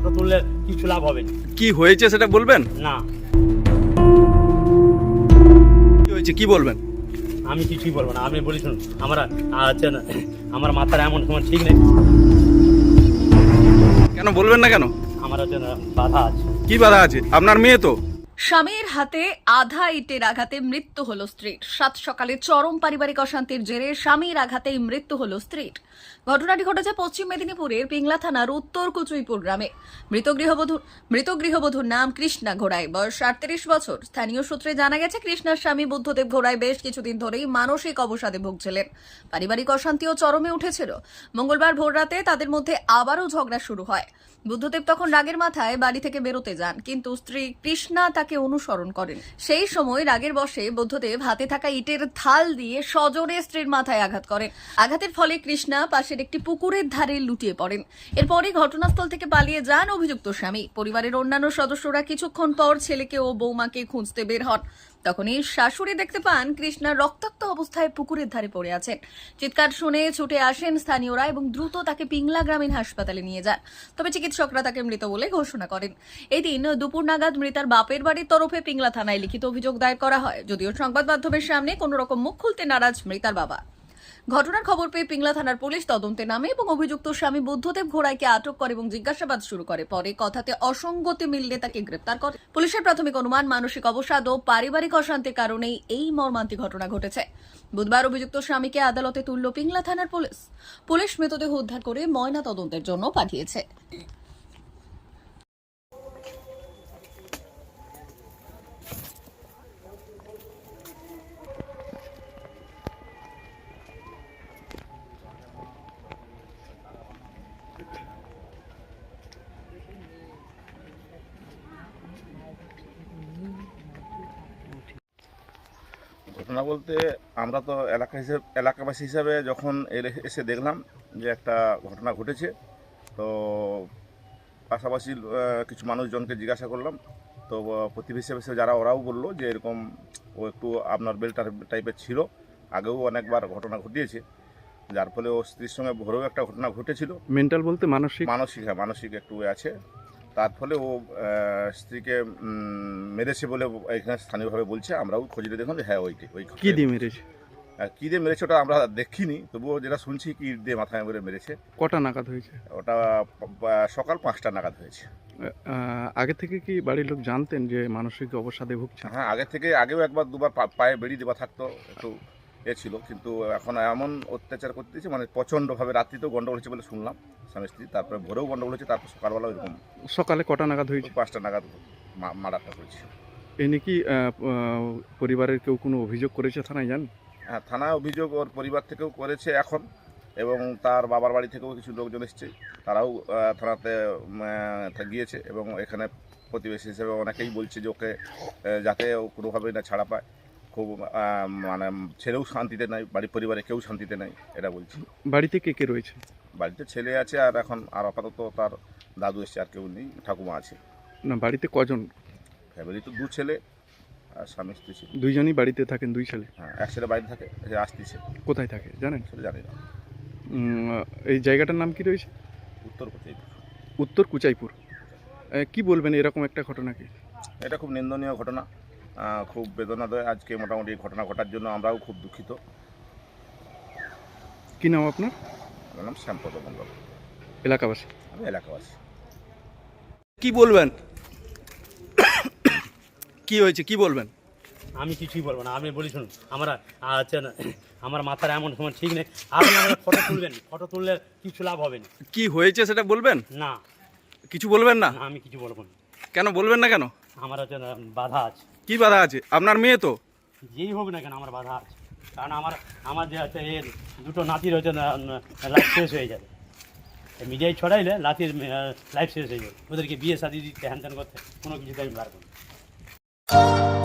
Photo তুললে কিছু লাভ হবে না। কি হয়েছে সেটা বলবেন? না, কি হয়েছে কি বলবেন? আমি কিছুই বলবো না। আমি বলি শুনুন, আমার মাথার এমন সময় ঠিক নেই। কেন বলবেন না কেন? আমার বাধা আছে। কি বাধা আছে? আপনার মেয়ে তো। স্বামীর হাতে আধা ইটের আঘাতে মৃত্যু হলো স্ত্রীর। সাত সকালে চরম পারিবারিক অশান্তির জেরে স্বামীর আঘাতেই মৃত্যু হলো স্ত্রীর। ঘটনাটি ঘটেছে পশ্চিম মেদিনীপুরের পিংলা থানার উত্তর কুচুইপুর গ্রামে। মৃত গৃহবধূর নাম কৃষ্ণা ঘোড়াই, বয়স 38 বছর। স্থানীয় সূত্রে জানা গেছে, কৃষ্ণার স্বামী বুদ্ধদেব ঘোড়াই বেশ কিছুদিন ধরেই মানসিক অবসাদে ভুগছিলেন। পারিবারিক অশান্তিও চরমে উঠেছিল। মঙ্গলবার ভোররাতে তাদের মধ্যে আবারও ঝগড়া শুরু হয়। বুদ্ধদেব তখন রাগের মাথায় বাড়ি থেকে বেরোতে যান, কিন্তু স্ত্রী কৃষ্ণা তাকে অনুসরণ করেন। সেই সময় রাগের বশে বুদ্ধদেব হাতে থাকা ইটের থাল দিয়ে সজোরে স্ত্রীর মাথায় আঘাত করেন। আঘাতের ফলে কৃষ্ণা পাশের একটি পুকুরের ধারে লুটিয়ে পড়েন। এরপরই ঘটনাস্থল থেকে পালিয়ে যান অভিযুক্ত স্বামী। পরিবারের অন্যান্য সদস্যরা কিছুক্ষণ পর ছেলেকে ও বৌমাকে খুঁজতে বের হন। তখনই শাশুড়ি দেখতে পান কৃষ্ণা রক্তাক্ত অবস্থায় পুকুরের ধারে পড়ে আছেন। চিৎকার শুনে ছুটে আসেন স্থানীয়রা এবং দ্রুত তাকে পিংলা গ্রামীণ হাসপাতালে নিয়ে যান। তবে চিকিৎসকরা তাকে মৃত বলে ঘোষণা করেন। এদিন দুপুর নাগাদ মৃতার বাপের বাড়ির তরফে পিংলা থানায় লিখিত অভিযোগ দায়ের করা হয়, যদিও সংবাদ মাধ্যমের সামনে কোনো রকম মুখ খুলতে নারাজ মৃতার বাবা। ঘটনার খবর পেয়ে পিংলা থানার পুলিশ তদন্তে নামে এবং অভিযুক্ত স্বামী বুদ্ধদেব ঘোড়াইকে আটক করে এবং জিজ্ঞাসাবাদ শুরু করে। পরে কথাতে অসঙ্গতি মিললে তাকে গ্রেপ্তার করে। পুলিশের প্রাথমিক অনুমান, মানসিক অবসাদ ও পারিবারিক অশান্তির কারণেই এই মর্মান্তিক ঘটনা ঘটেছে। বুধবার অভিযুক্ত স্বামীকে আদালতে তুলল পিংলা থানার পুলিশ। পুলিশ মৃতদেহ উদ্ধার করে ময়না তদন্তের জন্য পাঠিয়েছে। ঘটনা বলতে, আমরা তো এলাকাবাসী হিসাবে যখন এসে দেখলাম যে একটা ঘটনা ঘটেছে, তো পাশাপাশি কিছু মানুষজনকে জিজ্ঞাসা করলাম। তো প্রতিবেশী হিসেবে যারা, ওরাও বললো যে এরকম ও একটু আপনার বেল্টার টাইপের ছিল, আগেও অনেকবার ঘটনা ঘটিয়েছে, যার ফলে ও স্ত্রীর সঙ্গে ভোরেও একটা ঘটনা ঘটেছিল। মেন্টাল বলতে মানসিক? হ্যাঁ, মানসিক একটু আছে। তার ফলে ও স্ত্রীকে মেরেছে বলে এখানে স্থানীয়ভাবে বলছে। আমরাও খোঁজে দেখলাম যে হ্যাঁ ওই কি দিয়ে মেরেছে? কী দিয়ে মেরেছে ওটা আমরা দেখিনি, তবুও যেটা শুনছি কি দিয়ে মাথায় করে মেরেছে। কটা নাগাদ হয়েছে? ওটা সকাল 5টা নাগাদ হয়েছে। আগে থেকে কি বাড়ির লোক জানতেন যে মানসিক অবসাদে ভুগছে? হ্যাঁ, আগেও একবার দুবার পায়ে বেড়ি দেওয়া থাকতো, একটু ছিল, কিন্তু এখন এমন অত্যাচার করতেছে, মানে প্রচণ্ডভাবে। রাত্রিতেও গন্ডগোল হয়েছে বলে শুনলাম স্বামী স্ত্রী, তারপরে ভোরেও গন্ডগোল হয়েছে, তারপর সকালবেলা ওইরকম। সকালে কটা নাগাদ হয়েছে? 5টা নাগাদ মার্ডারটা হয়েছে। এ নিয়ে কি পরিবারের কেউ কোনো অভিযোগ করেছে থানায়, জান? হ্যাঁ, থানায় অভিযোগ ওর পরিবার থেকেও করেছে এখন, এবং তার বাবার বাড়ি থেকেও কিছু লোকজন এসছে, তারাও থানাতে গিয়েছে। এবং এখানে প্রতিবেশী হিসেবে অনেকেই বলছে যে ওকে যাতে ও কোনোভাবেই না ছাড়া পায়। খুব মানে ছেলেও শান্তিতে নাই, বাড়ির পরিবারে কেউ শান্তিতে নাই, এটা বলছি। বাড়িতে কে কে রয়েছে? বাড়িতে ছেলে আছে, আর এখন আর আপাতত তার দাদু এসছে, আর কেউ নেই, ঠাকুমা আছে। না, বাড়িতে কজন? ফ্যামিলি তো 2 ছেলে আর স্বামী স্ত্রী ছিল। দুইজনই বাড়িতে থাকেন? 2 ছেলে? হ্যাঁ, এক ছেলে বাড়িতে থাকে, সে আসতেছে। কোথায় থাকে জানেন? সেটা জানি না। এই জায়গাটার নাম কি রয়েছে? উত্তর কুচাইপুর। উত্তর কুচাইপুর। কি বলবেন এরকম একটা ঘটনা? কি এটা খুব নিন্দনীয় ঘটনা, খুব বেদনাদায়ক। আজকে মোটামুটি ঘটনা ঘটার জন্য আমরাও খুব দুঃখিত। কি নাম আপনার? আমার নাম শ্যামপদ মণ্ডল, এলাকাবাসী? আমি এলাকাবাসী। কি বলবেন? কি হয়েছে কি বলবেন? আমি কিছুই বলবো না। আমি বলি শুনুন, আমার মাথার এমন সময় ঠিক নেই। আপনি আমার ফটো তুলবেন, ফটো তুললে কিছু লাভ হবে না। কি হয়েছে সেটা বলবেন? না, কিছু বলবেন না? আমি কিছু বলবো না। কেন বলবেন না কেন? আমার বাধা আছে। কি বাধা আছে? আপনার মেয়ে তো। যেই হোক না কেন, আমার বাধা আছে। কারণ আমার যে আছে এর 2টো নাতির হচ্ছে লাইফ শেষ হয়ে যাবে। মিডিয়ায় ছড়াইলে নাতির লাইফ শেষ হয়ে যাবে। ওদেরকে বিয়ে শাদি দিতে, হ্যান ত্যান করতে কোনো কিছুতে আমি পারবো না।